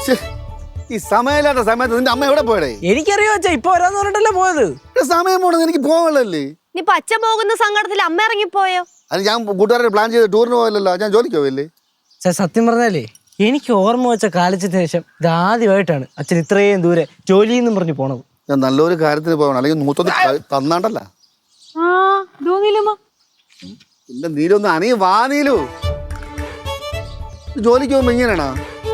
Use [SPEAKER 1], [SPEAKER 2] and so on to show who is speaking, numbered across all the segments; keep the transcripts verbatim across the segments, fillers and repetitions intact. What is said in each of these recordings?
[SPEAKER 1] ഈ സമയമില്ലാത്ത സമയത്ത് നിന്റെ അമ്മ എവിടെ പോയടേ?
[SPEAKER 2] എനിക്കറിയോ അച്ഛാ, ഇപ്പൊ വരാന്ന് പറഞ്ഞിട്ടല്ലേ പോയത്.
[SPEAKER 1] സമയം പോണെന്ന് എനിക്ക് പോകണല്ലേ.
[SPEAKER 3] നീ പച്ച പോകുന്ന സങ്കടത്തിൽ അമ്മ ഇറങ്ങിപ്പോയോ?
[SPEAKER 1] അത് ഞാൻ കൂട്ടുകാരെ പ്ലാൻ ചെയ്ത് ടൂറിന് പോയല്ലോ, ഞാൻ ജോലിക്ക് പോയല്ലേ.
[SPEAKER 2] സത്യം പറഞ്ഞാലേ എനിക്ക് ഓർമ്മ വെച്ച കാലിച്ചതിന് ശേഷം ഇതാദ്യമായിട്ടാണ് അച്ഛൻ ഇത്രയും ദൂരെ ജോലിയെന്നും പറഞ്ഞു പോണത്.
[SPEAKER 1] ഞാൻ നല്ലൊരു കാര്യത്തിന് പോകണം, അല്ലെങ്കിൽ നൂറ്റൊന്ന് തന്നാണ്ടല്ല. പിന്നെ നീലൊന്ന് അണീ വാ നീലു. ജോലിക്ക് പോകുമ്പോ ഇങ്ങനെയാണോ?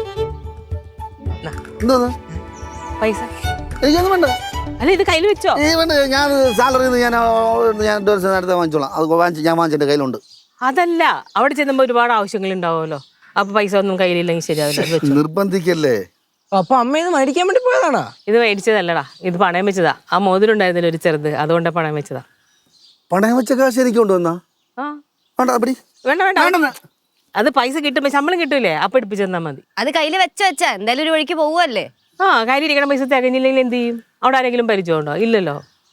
[SPEAKER 1] എന്താ
[SPEAKER 4] പൈസ
[SPEAKER 1] എനിക്കൊന്നും വേണ്ട.
[SPEAKER 4] അല്ല ഇത് കയ്യിൽ വെച്ചോ?
[SPEAKER 1] ഈ വേണ്ട, ഞാൻ സാലറി ഞാൻ ഞാൻ നേരത്തെ വാങ്ങിച്ചോളാം. അത് വാങ്ങിച്ച് ഞാൻ വാങ്ങിച്ച എൻ്റെ കയ്യിലുണ്ട്.
[SPEAKER 4] അതല്ല, അവിടെ ചെല്ലുമ്പോ ഒരുപാട് ആവശ്യങ്ങൾ ഉണ്ടാവുമല്ലോ, അപ്പൊ പൈസ ഒന്നും കയ്യിലില്ലെങ്കിൽ ശരിയാവില്ല.
[SPEAKER 1] നിർബന്ധിക്കല്ലേ.
[SPEAKER 2] അപ്പൊ അമ്മ ഇത് മേടിക്കാൻ വേണ്ടി പോയതാണോ?
[SPEAKER 4] ഇത് മേടിച്ചതല്ലടാ, ഇത് പണയം വെച്ചതാ. ആ മോതിരം ഉണ്ടായിരുന്നില്ല ഒരു ചെറുത്, അതുകൊണ്ട് പണയം വെച്ചതാ.
[SPEAKER 1] പണയം വെച്ച കാശ് എനിക്ക് കൊണ്ടുവന്നാ?
[SPEAKER 4] വേണ്ട വേണ്ട, അത് പൈസ കിട്ടുമ്പോ ശമ്പളം കിട്ടൂലേ, അപ്പൊ എടുപ്പിച്ചു തന്നാ മതി.
[SPEAKER 3] അത് കയ്യിൽ വെച്ച വെച്ചാ എന്തായാലും ഒരു വഴിക്ക് പോവല്ലേ.
[SPEAKER 4] ആ കാര്യം ഇരിക്കണ പൈസ തികഞ്ഞില്ലെങ്കിൽ എന്ത് ചെയ്യും? അവിടെ ആരെങ്കിലും പരിചയമുണ്ടോ? ഇല്ലല്ലോ.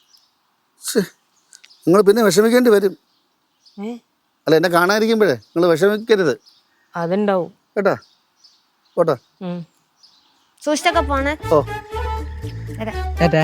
[SPEAKER 1] നിങ്ങൾ പിന്നെ വിഷമിക്കേണ്ടി വരും. അല്ല, എന്നെ കാണാതിരിക്കുമ്പോഴേ നിങ്ങൾ വിഷമിക്കരുത്.
[SPEAKER 4] അതുണ്ടാവും
[SPEAKER 1] കേട്ടാ. പോട്ടാ.
[SPEAKER 3] സൂക്ഷിച്ചൊക്കെ പോണേ.
[SPEAKER 1] ഓ
[SPEAKER 2] ഏട്ടാ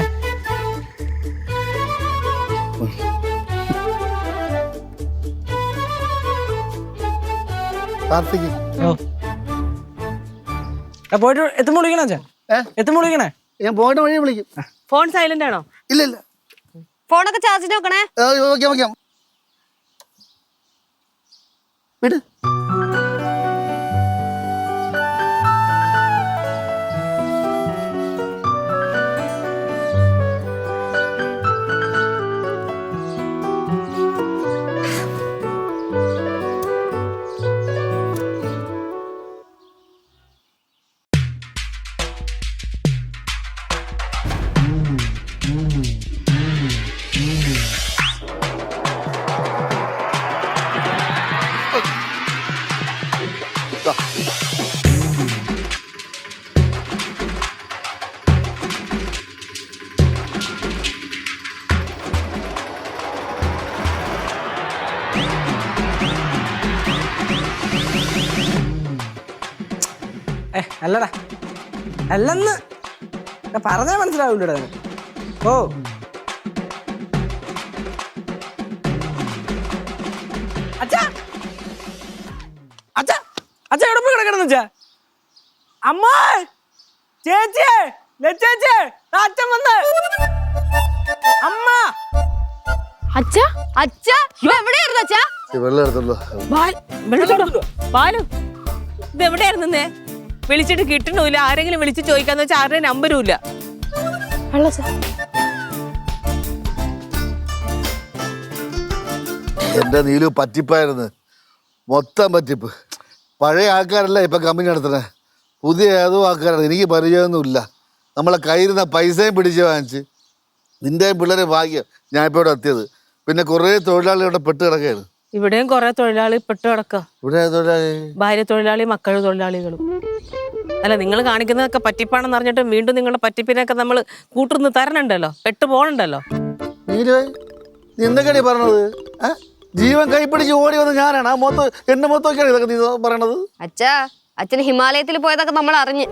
[SPEAKER 2] പോയിട്ട് എത്തുമ്പോ വിളിക്കണേ അച്ഛാ? എത്തുമ്പോ വിളിക്കണേ?
[SPEAKER 1] ഞാൻ പോയിട്ട് വഴി വിളിക്കും.
[SPEAKER 4] ഫോൺ സൈലന്റ് ആണോ?
[SPEAKER 1] ഇല്ല ഇല്ല,
[SPEAKER 3] ഫോണൊക്കെ ചാർജിന് വെക്കണേ.
[SPEAKER 1] വെക്കാം വെക്കാം. വിട്.
[SPEAKER 2] ഏ അല്ലടാ, അല്ലെന്ന് പറഞ്ഞാൽ മനസ്സിലാവില്ലടാ. ഓ അച്ഛാ അച്ഛാ അച്ഛാ എവിടെ പോയി കിടക്കണം വെച്ചാ? അമ്മ, ചേച്ചിയെ, ചേച്ചിയെ, അച്ഛൻ വന്ന്. അമ്മ,
[SPEAKER 3] അച്ഛാ അച്ഛാ എവിടെയായിരുന്നു അച്ഛാ?
[SPEAKER 4] ബാലു, ഇത് എവിടെയായിരുന്നേ? വിളിച്ചിട്ട് കിട്ടണില്ല. ആരെങ്കിലും വിളിച്ച് ചോദിക്കാന്ന് വെച്ചാൽ ആരുടെ നമ്പരും ഇല്ല.
[SPEAKER 1] എന്റെ നീലു പറ്റിപ്പായിരുന്നു, മൊത്തം പറ്റിപ്പ്. പഴയ ആൾക്കാരല്ല ഇപ്പൊ കമ്പനി നടത്തണേ, പുതിയ ഏതോ ആൾക്കാരാണ്. എനിക്ക് പരിചയമൊന്നുമില്ല. നമ്മളെ കയ്യിരുന്ന പൈസയും പിടിച്ച് വാങ്ങിച്ച്. നിന്റെയും പിള്ളേരെ ഭാഗ്യം ഞാൻ ഇപ്പോൾ ഇവിടെ എത്തിയത്. പിന്നെ കുറേ തൊഴിലാളികൾ ഇവിടെ പെട്ട് കിടക്കുകയാണ്.
[SPEAKER 4] ഇവിടെയും കുറെ തൊഴിലാളി പെട്ട് കിടക്കുക.
[SPEAKER 1] ഇവിടെ തൊഴിലാളി,
[SPEAKER 4] ഭാര്യ തൊഴിലാളി, മക്കൾ തൊഴിലാളികളും. അല്ല, നിങ്ങൾ കാണിക്കുന്നതൊക്കെ പറ്റിപ്പാണെന്ന് അറിഞ്ഞിട്ട് വീണ്ടും നിങ്ങളുടെ പറ്റിപ്പിനൊക്കെ നമ്മൾ കൂട്ടുന്ന് തരണുണ്ടല്ലോ, പെട്ട് പോകണുണ്ടല്ലോ.
[SPEAKER 1] നീ എന്തൊക്കെയാണ് പറഞ്ഞത്? ജീവൻ കൈപ്പിടിച്ച് ഓടി വന്ന് ഞാനാണ്. ആ മൊത്തം എന്റെ മൊത്തമൊക്കെയാണ് ഇതൊക്കെ നീ പറയണത്.
[SPEAKER 3] അച്ഛാ, അച്ഛന് ഹിമാലയത്തിൽ പോയതൊക്കെ നമ്മൾ അറിഞ്ഞ്.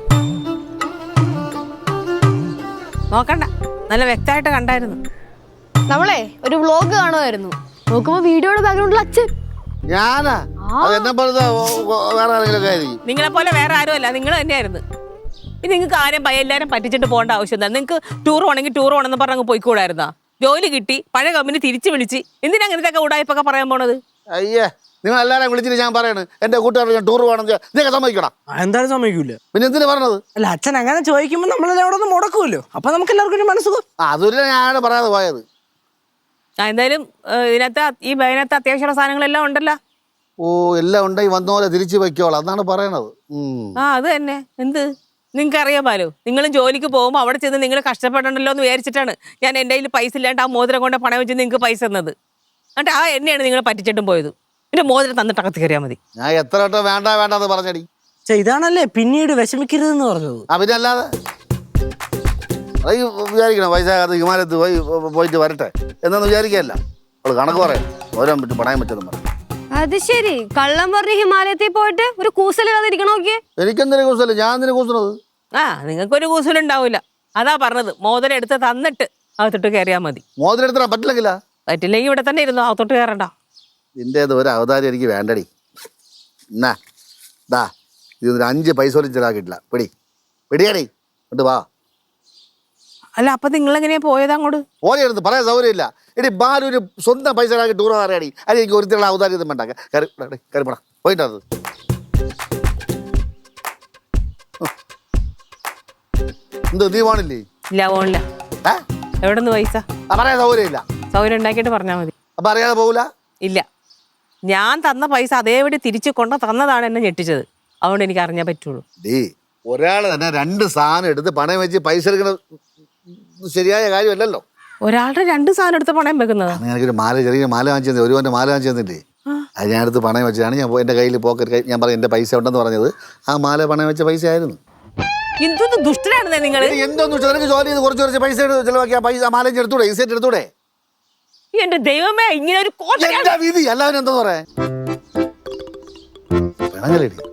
[SPEAKER 4] നോക്കണ്ട, നല്ല വ്യക്തമായിട്ട് കണ്ടായിരുന്നു.
[SPEAKER 3] നമ്മളെ ഒരു വ്ലോഗ് കാണുമായിരുന്നു, നോക്കുമ്പോ വീഡിയോയുടെ ബാക്ക്ഗ്രൗണ്ടിൽ അച്ഛൻ.
[SPEAKER 1] ഞാനാ? അതെന്നെ പറഞ്ഞ വേറെ ആരെങ്കിലും ആയിരിക്കും.
[SPEAKER 4] നിങ്ങളെ പോലെ വേറെ ആരും അല്ല, നിങ്ങൾ തന്നെയായിരുന്നു. ഇനി നിങ്ങൾക്ക് ആരും എല്ലാവരും പറ്റിച്ചിട്ട് പോകേണ്ട ആവശ്യം എന്താ? നിങ്ങൾക്ക് ടൂർ പോകണമെങ്കിൽ ടൂർ പോകണമെന്ന് പറഞ്ഞ് പോയിക്കൂടായിരുന്നാ? ജോലി കിട്ടി, പഴയ കമ്പനി തിരിച്ചു വിളിച്ച്, എന്തിനാ അങ്ങനത്തെ ഉടായ്പൊക്കെ പറയാൻ പോണത്?
[SPEAKER 1] അയ്യേ, നിങ്ങൾ എല്ലാവരും വിളിച്ചിട്ട് ഞാൻ പറയണേ എന്റെ കൂട്ടുകാരോട് ഞാൻ ടൂർ പോകണം, നീയൊക്കെ സമ്മതിക്കണം.
[SPEAKER 2] എന്തായാലും സമ്മതിക്കൂല.
[SPEAKER 1] പിന്നെ എന്തിനാ പറഞ്ഞത്?
[SPEAKER 2] അല്ല, അച്ഛൻ അങ്ങനെ ചോദിക്കുമ്പോ നമ്മളെല്ലാം അവിടെ ഒന്ന് മുടക്കുമല്ലോ, അപ്പൊ നമുക്ക് എല്ലാവർക്കും ഒരു മനസ്സുഖം.
[SPEAKER 1] അതൊരു ഞാനാണ് പറയാതെ പോയത്.
[SPEAKER 4] എന്തായാലും ഇതിനകത്ത് ഈ ബൈനകത്ത് അത്യാവശ്യമുള്ള സാധനങ്ങളെല്ലാം ഉണ്ടല്ലോ.
[SPEAKER 1] ഓ, എല്ലാം ഉണ്ടായി വന്ന പോലെ തിരിച്ചു വയ്ക്കോളാം എന്നാണ് പറയണത്.
[SPEAKER 4] ആ അത് തന്നെ. എന്ത് നിങ്ങൾക്ക് അറിയാൻ പാലോ, നിങ്ങളും ജോലിക്ക് പോകുമ്പോൾ അവിടെ ചെന്ന് നിങ്ങൾ കഷ്ടപ്പെടണ്ടല്ലോ എന്ന് വിചാരിച്ചിട്ടാണ് ഞാൻ എൻ്റെ കയ്യിൽ പൈസ ഇല്ലാണ്ട് ആ മോതിരം കൊണ്ട് പണം വെച്ച് നിങ്ങൾക്ക് പൈസ തന്നത്. എന്നിട്ട് ആ എന്നെയാണ് നിങ്ങൾ പറ്റിച്ചിട്ടും പോയത്. പിന്നെ മോതിരം തന്നിട്ട് അകത്ത് കയറിയാൽ മതി.
[SPEAKER 1] ഞാൻ എത്ര വട്ടം വേണ്ട വേണ്ടെന്ന് പറഞ്ഞടി.
[SPEAKER 2] ഇതാണല്ലേ പിന്നീട് വിഷമിക്കരുതെന്ന് പറഞ്ഞത്.
[SPEAKER 1] പിന്നെ അല്ലാതെ വിചാരിക്കണം പൈസ ഹിമാലയത്ത് പോയി പോയിട്ട് വരട്ടെ എന്നൊന്ന് വിചാരിക്കല്ല. അവള് കണക്ക് പറയാം, ഓരോ പറ്റും പണയം പറ്റും പറയും.
[SPEAKER 3] അത് ശരി, കള്ളം പറഞ്ഞ് ഹിമാലയത്തിൽ പോയിട്ട് ഒരു കൂസലില്ലാതെ ഇരിക്കണോക്കെ.
[SPEAKER 1] എനിക്കെന്തിനു കൂസല്? ഞാൻ എന്തിനു കൂസണത്?
[SPEAKER 4] ആ നിങ്ങൾക്കൊരു കൂസലുണ്ടാവില്ല. അതാ പറഞ്ഞത്, മോതിരം എടുത്ത് തന്നിട്ട് അകത്തോട്ട് കയറിയാൽ മതി.
[SPEAKER 1] മോതിരം എടുത്താൽ പറ്റില്ലെങ്കിലാ?
[SPEAKER 4] പറ്റില്ലെങ്കിൽ ഇവിടെ തന്നെ ഇരുന്നു, അകത്തോട്ട് കയറണ്ട.
[SPEAKER 1] നിന്റെ ഒരു അവതാരം എനിക്ക് വേണ്ടടി. എന്നാ ദാ ഇതൊരു അഞ്ച് പൈസ പോലും ചെലവാക്കിയിട്ടില്ല. പിടി പിടിയാടി എന്നിട്ട് വാ.
[SPEAKER 4] അല്ല അപ്പൊ നിങ്ങൾ എങ്ങനെയാ പോയത് അങ്ങോട്ട്?
[SPEAKER 1] പോലെടുത്ത് പറയാൻ സൗകര്യമില്ല. എടി ബാലു ഒരു സ്വന്തം പൈസ ചെലവാക്കി ടൂർ അറിയാടി. അത് എനിക്ക് ഒരുത്തിലുള്ള അവതാരം ഇതും വേണ്ട. കയറി കയറിപ്പടാ പോയിട്ടത്. എന്ത് നീ പോണില്ലേ?
[SPEAKER 4] ഇല്ല പോണില്ല.
[SPEAKER 1] ഏ
[SPEAKER 4] എവിടെ നിന്ന് പൈസ?
[SPEAKER 1] ആ പറയാൻ സൗകര്യമില്ല.
[SPEAKER 4] സൗകര്യം ഉണ്ടാക്കിയിട്ട് പറഞ്ഞാൽ മതി.
[SPEAKER 1] അപ്പൊ അറിയാതെ പോകൂല?
[SPEAKER 4] ഇല്ല, ഞാൻ തന്ന പൈസ അതേപടി തിരിച്ചു കൊണ്ട് തന്നതാണ് എന്നെ ഞെട്ടിച്ചത്. അതുകൊണ്ട് എനിക്ക് അറിഞ്ഞാൽ പറ്റുള്ളൂ.
[SPEAKER 1] ഡീ ഒരാൾ തന്നെ രണ്ട് സാധനം എടുത്ത് പണയം വെച്ച് പൈസ എടുക്കണ ശരിയായ കാര്യമല്ലല്ലോ.
[SPEAKER 4] ഒരാളുടെ രണ്ട് സാധനം എടുത്ത് പണയം വെക്കുന്നത്.
[SPEAKER 1] എനിക്കൊരു മാല, ചെറിയ മാല വാങ്ങിച്ചു തന്നെ, ഒരു എൻ്റെ മാല വാങ്ങിച്ചു തന്നില്ലേ? അത് ഞാൻ എടുത്ത് പണയം വെച്ചതാണ്. ഞാൻ എൻ്റെ കയ്യിൽ പോക്കറ്റ് ഞാൻ പറഞ്ഞു എൻ്റെ പൈസ ഉണ്ടെന്ന് പറഞ്ഞത് ആ മാല പണയം വെച്ച പൈസ ആയിരുന്നു.
[SPEAKER 4] എന്തൊന്ന് ദുഷ്ടനാണെന്നേ നിങ്ങൾ.
[SPEAKER 1] എന്തോന്ന് വെച്ചാൽ നിനക്ക് ജോലി ചെയ്ത് കുറച്ച് കുറച്ച് പൈസ ചെലവാക്കി ആ പൈസ മാല എടുത്തൂടെ? ഈ സെറ്റ് എടുത്തൂടെ?
[SPEAKER 4] എന്റെ ദൈവമേ, ഇങ്ങനെ ഒരു
[SPEAKER 1] വിധി എല്ലാവരും എന്തോന്ന് പറയാ?